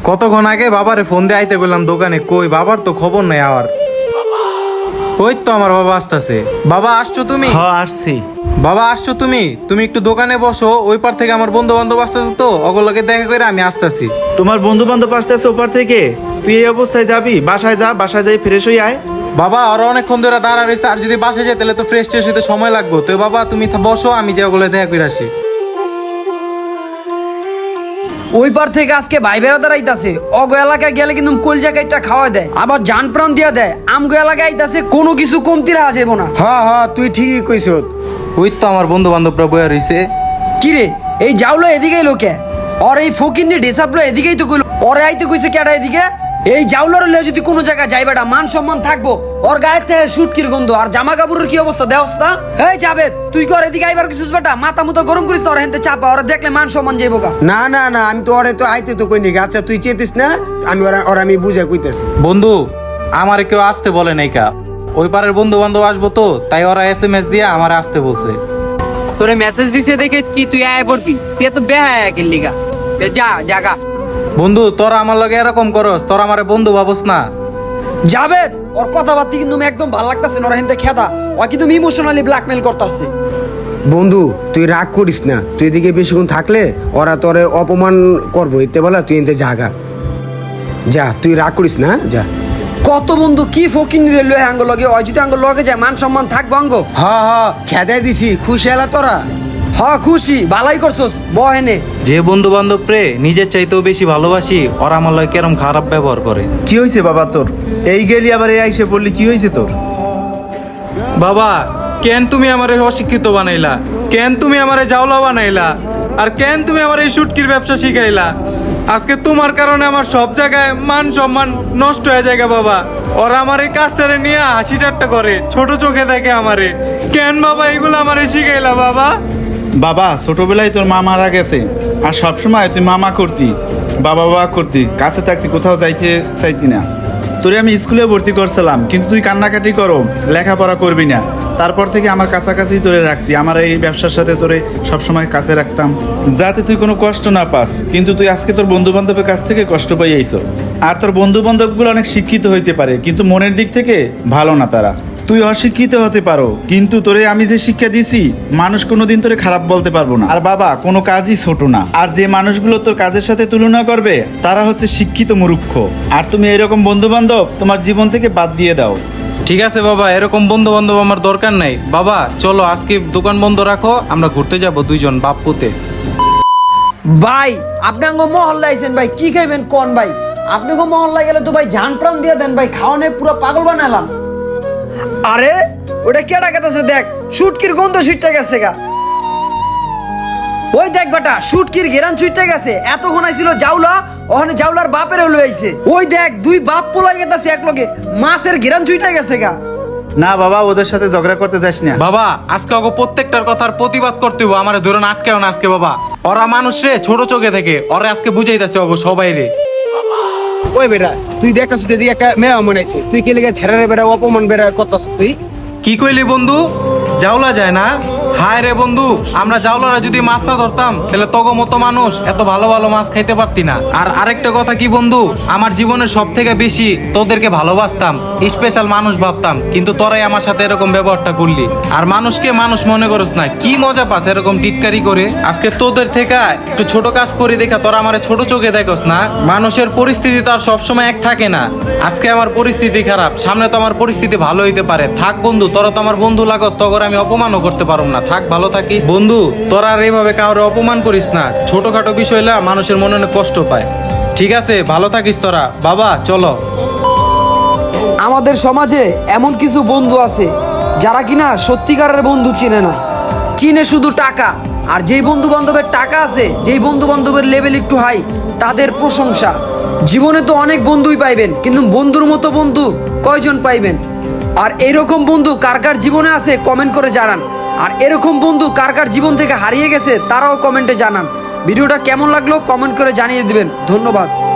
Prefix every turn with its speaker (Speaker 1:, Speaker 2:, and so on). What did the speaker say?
Speaker 1: কতক্ষণ আগে বাবারে ফোন দিয়ে আইতে বললাম দোকানে, কই বাবার তো খবর নাই। আর ওই তো আমার বাবা আসতেছে। বাবা আসছো তুমি?
Speaker 2: হ্যাঁ আসছি।
Speaker 1: বাবা আসছো তুমি? তুমি একটু দোকানে বসো, ওই পার থেকে আমার বন্ধু বান্ধব আসতেছে, তো ওগুলোকে দেখা করে আমি আসতেছি।
Speaker 2: তোমার বন্ধু বান্ধব আসতেছে ওপার থেকে, তুই এই অবস্থায় যাবি? বাসায় যা, বাসায় যাই ফ্রেশ হয়ে আয়।
Speaker 1: বাবা ওরা অনেকক্ষণ ধরে দাঁড়া রয়েছে, আর যদি বাসায় যায় তাহলে তো ফ্রেশ ট্রেশ হইতে সময় লাগবে। তো বাবা তুমি বসো, আমি যে ওগুলো দেখা করে আসি।
Speaker 3: ওই পার থেকে আজকে ভাই বেড়াদার আইতাছে। অগ এলাকায় গেলে কিন্তু কলজা কাইটা খাওয়া দেয়, আবার জান প্রাণ দিয়া দেয়। আমগো এলাকায় আইতাছে, কোনো কিছু কমতি রাখা যাবো না।
Speaker 4: হ্যাঁ তুই ঠিকই কইছ।
Speaker 1: ওই তো আমার বন্ধু বান্ধবরা বয়া রয়েছে।
Speaker 3: কিরে এই যাওলো এদিকেই লোকে, ওর এই ফকির নিয়ে ডেসাপলো এদিকেই তো কইলো। ওরে আইতে কইছে কেডা এদিকে? এই জাউলার লে যদি কোনো জায়গায় যাই বেটা, মান সম্মান থাকবো। ওর গায়ের থেকে সুটকির গন্ধ, আর জামা কাপড়ের কি অবস্থা দেওস্তা। এই যাবে তুই কর এদিকে আইবার কিছু বেটা, মাথা মুতো গরম করিস তো। ওর হেনতে চাপা, ওরা দেখলে মান সম্মান যাইবো গা।
Speaker 4: না আমি তো ওরে তো আইতে তো কই নি। আচ্ছা তুই চেতিস না, আমি আমি বুঝা কইতাছি।
Speaker 1: বন্ধু আমার কেউ আসতে বলে নাই কা, ওই পারের বন্ধু বান্ধব আসবো তো, তাই ওরা SMS দিয়ে আমার আসতে বলছে।
Speaker 5: তোরে মেসেজ দিছে দেখে কি তুই আয় পড়বি? তুই এত বেহায়া কেন লিগা? যা জাগা।
Speaker 1: বন্ধু তোরা আমার লগে এরকম করস, তোরা আমারে বন্ধু ভাবস না।
Speaker 3: যাবে ওর কথাবার্তা কিন্তু একদম ভালো লাগতাছে না। ওর হেনতে খেদা, ও কিন্তু ইমোশনালি ব্ল্যাকমেল করতেছে।
Speaker 4: বন্ধু তুই রাগ করিস না, তুই এদিকে বেশিক্ষণ থাকলে ওরা তোরে অপমান করবো। এতে বলা তুই এতে জাগা যা, তুই রাগ করিস না, যা।
Speaker 3: কত বন্ধু কি ফকির নিরে লয়ে আঙ্গ লগে, ওই যদি আঙ্গ লগে যায় মান সম্মান থাকবো আঙ্গ।
Speaker 4: খেদাই দিছি, খুশি এলা তোরা?
Speaker 3: খুশি, ভালাই করছস বহেনে।
Speaker 1: যে বন্ধু বান্ধব রে নিজের চাইতেও বেশি ভালোবাসি, ওরা আমার লগে কেরম খারাপ ব্যবহার করে।
Speaker 2: কি হয়েছে বাবা তোর? এই গেলি আবার এই আইসে পড়লি, কি হয়েছে তোর?
Speaker 1: বাবা কেন তুমি আমারে অশিক্ষিত বানাইলা? কেন তুমি আমারে জাওলা বানাইলা? আর কেন তুমি আমার এই শুটকির ব্যবসা শিখাইলা? আজকে তোমার কারণে আমার সব জায়গায় মান সম্মান নষ্ট হয়ে যায় বাবা। ওরা আমার এই কাজটারে নিয়ে হাসি ঠাট্টা করে, ছোট চোখে দেখে আমারে। কেন বাবা এগুলো আমারে শিখাইলা বাবা?
Speaker 2: বাবা ছোটবেলায় তোর মা মারা গেছে, আর সবসময় তুই মামা করতি, বাবা করতি, কাছে থাকতি, কোথাও যাইতে চাইতি না। তোরে আমি স্কুলে ভর্তি করছিলাম, কিন্তু তুই কান্নাকাটি করো, লেখাপড়া করবি না। তারপর থেকে আমার কাছাকাছি তোরে রাখছি, আমার এই ব্যবসার সাথে তোরে সবসময় কাছে রাখতাম, যাতে তুই কোনো কষ্ট না পাস। কিন্তু তুই আজকে তোর বন্ধু বান্ধবের কাছ থেকে কষ্ট পাই আইছো। আর তোর বন্ধু বান্ধবগুলো অনেক শিক্ষিত হইতে পারে, কিন্তু মনের দিক থেকে ভালো না তারা। তুই অশিক্ষিত হতে পারো, কিন্তু তোরে আমি যে শিক্ষা দিছি, মানুষ কোনোদিন তোরে খারাপ বলতে পারবো না। আর বাবা কোনো কাজই ছোট না, আর যে মানুষগুলো তোর কাজের সাথে তুলনা করবে তারা হচ্ছে শিক্ষিত মূর্খ। আর তুমি এরকম বন্ধু বান্ধব তোমার জীবন থেকে বাদ দিয়ে দাও।
Speaker 1: ঠিক আছে বাবা, এরকম বন্ধু বান্ধব আমার দরকার নাই। বাবা চলো আজকে দোকান বন্ধ রাখো, আমরা ঘুরতে যাব দুইজন বাপ পুতে।
Speaker 3: ভাই আপনি আঙ্গ মহল্লা আইছেন ভাই, কি খাইবেন কোন ভাই? আপনি গো মহল্লা গেলে তো ভাই জান প্রাণ দিয়ে দেন ভাই, খাওয়ানে পুরো পাগল বানালাম। আরে ওটা কেডা কেতাছে দেখ, শুটকির গন্ধ ছুটতে গেছে গা। ওই দেখ বেটা, শুটকির ঘেরান ছুটতে গেছে। এতক্ষণ আইছিল জাউলা, ওখানে জাউলার বাপের লই আইছে। ওই দেখ দুই বাপ পোলাই গেতাছে এক লগে, মাছের ঘেরান ছুটতে গেছে গা।
Speaker 2: না বাবা, ওদের সাথে ঝগড়া করতে যাস না।
Speaker 1: বাবা আজকে ওকে প্রত্যেকটার কথার প্রতিবাদ করতে হবে, আমার ধরুন আটকেও না আজকে বাবা। ওরা মানুষ রে ছোট চোখে থেকে, ওরা আজকে বুঝাইতেছে ওগো সবাই রে।
Speaker 6: ওই বেটা তুই দেখছিস যদি একটা মেয়ে মনে আছে, তুই কি লেগে ছেড়ে বেড়া অপমান বেড়া করতেছ? তুই
Speaker 1: কি কইলি বন্ধু? জাউলা যায় না? হায় রে বন্ধু, আমরা জাউলারা যদি মাছ না ধরতাম তাহলে তগো মতো মানুষ এত ভালো ভালো মাছ খাইতে পারতি না। আর আরেকটা কথা কি বন্ধু, আমার জীবনের সব থেকে বেশি তোদেরকে ভালোবাসতাম, স্পেশাল মানুষ ভাবতাম, কিন্তু তোরাই আমার সাথে এরকম ব্যবহারটা করলি। আর মানুষকে মানুষ মনে করস না, কি মজা পাস এরকম টিটকারি করে। আজকে তোদের থেকে একটু ছোট কাজ করি দেখা তোরা আমার ছোট চোখে দেখোস না। মানুষের পরিস্থিতি তো আর সবসময় এক থাকে না। আজকে আমার পরিস্থিতি খারাপ, সামনে তো আমার পরিস্থিতি ভালো হইতে পারে। থাক বন্ধু, তোরা তো আমার বন্ধু লাগস, তখন আমি অপমানও করতে পারব না। থাক ভালো থাকিস বন্ধু, তোরা আর এইভাবে কাউরে অপমান করিস না। ছোটখাটো বিষয় হলে মানুষের মনে অনেক কষ্ট পায়। ঠিক আছে, ভালো থাকিস তোরা। বাবা চলো।
Speaker 3: আমাদের সমাজে এমন কিছু বন্ধু আছে যারা কিনা সত্যিকারের বন্ধু চিনে না, চিনে শুধু টাকা। আর যেই বন্ধু বান্ধবের টাকা আছে, যেই বন্ধু বান্ধবের লেভেল একটু হাই, তাদের প্রশংসা। জীবনে তো অনেক বন্ধুই পাইবেন, কিন্তু বন্ধুর মতো বন্ধু কয়জন পাইবেন? আর এরকম বন্ধু কার কার জীবনে আছে কমেন্ট করে জানান। আর এরকম বন্ধু কার কার জীবন থেকে হারিয়ে গেছে তারাও কমেন্টে জানান। ভিডিওটা কেমন লাগলো কমেন্ট করে জানিয়ে দিবেন। ধন্যবাদ।